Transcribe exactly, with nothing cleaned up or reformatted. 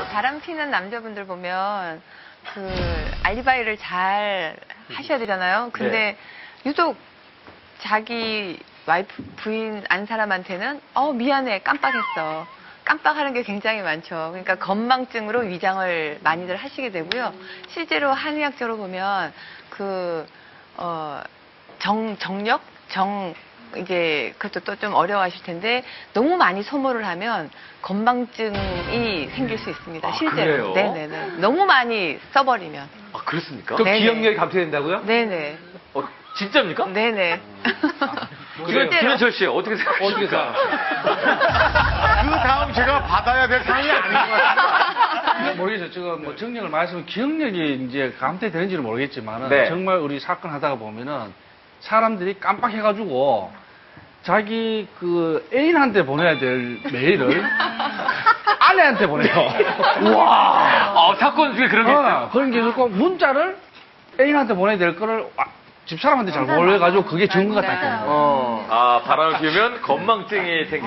바람 피는 남자분들 보면 그 알리바이를 잘 하셔야 되잖아요. 근데 유독 자기 와이프 부인 안 사람한테는 어 미안해 깜빡했어. 깜빡하는 게 굉장히 많죠. 그러니까 건망증으로 위장을 많이들 하시게 되고요. 실제로 한의학적으로 보면 그 어, 정 정력 정 이게 그것도 또 좀 어려워하실 텐데 너무 많이 소모를 하면 건망증이 생길 수 있습니다. 아, 실제로. 그래요? 네네네. 너무 많이 써버리면. 아, 그렇습니까? 그 네네. 기억력이 감퇴된다고요? 네네. 어, 진짜입니까? 네네. 김현, 김현철 씨, 어떻게 생각하십니까? 그 다음 제가 받아야 될 상이 아닌 것 같아요. 모르겠어요. 지금 뭐 정력을 말씀은 기억력이 이제 감퇴되는지는 모르겠지만은 네. 정말 우리 사건 하다가 보면은 사람들이 깜빡해가지고 자기 그 애인한테 보내야 될 메일을 아내한테 보내요. 와, 아, 사건 중에 그런 게 있어요. 어, 그런 게 있고 문자를 애인한테 보내야 될 거를 와- 집사람한테 잘 몰라가지고 그게 증거가 딱 맞아요. 되는 거예요. 어. 아, 바람을 피우면 건망증이 생기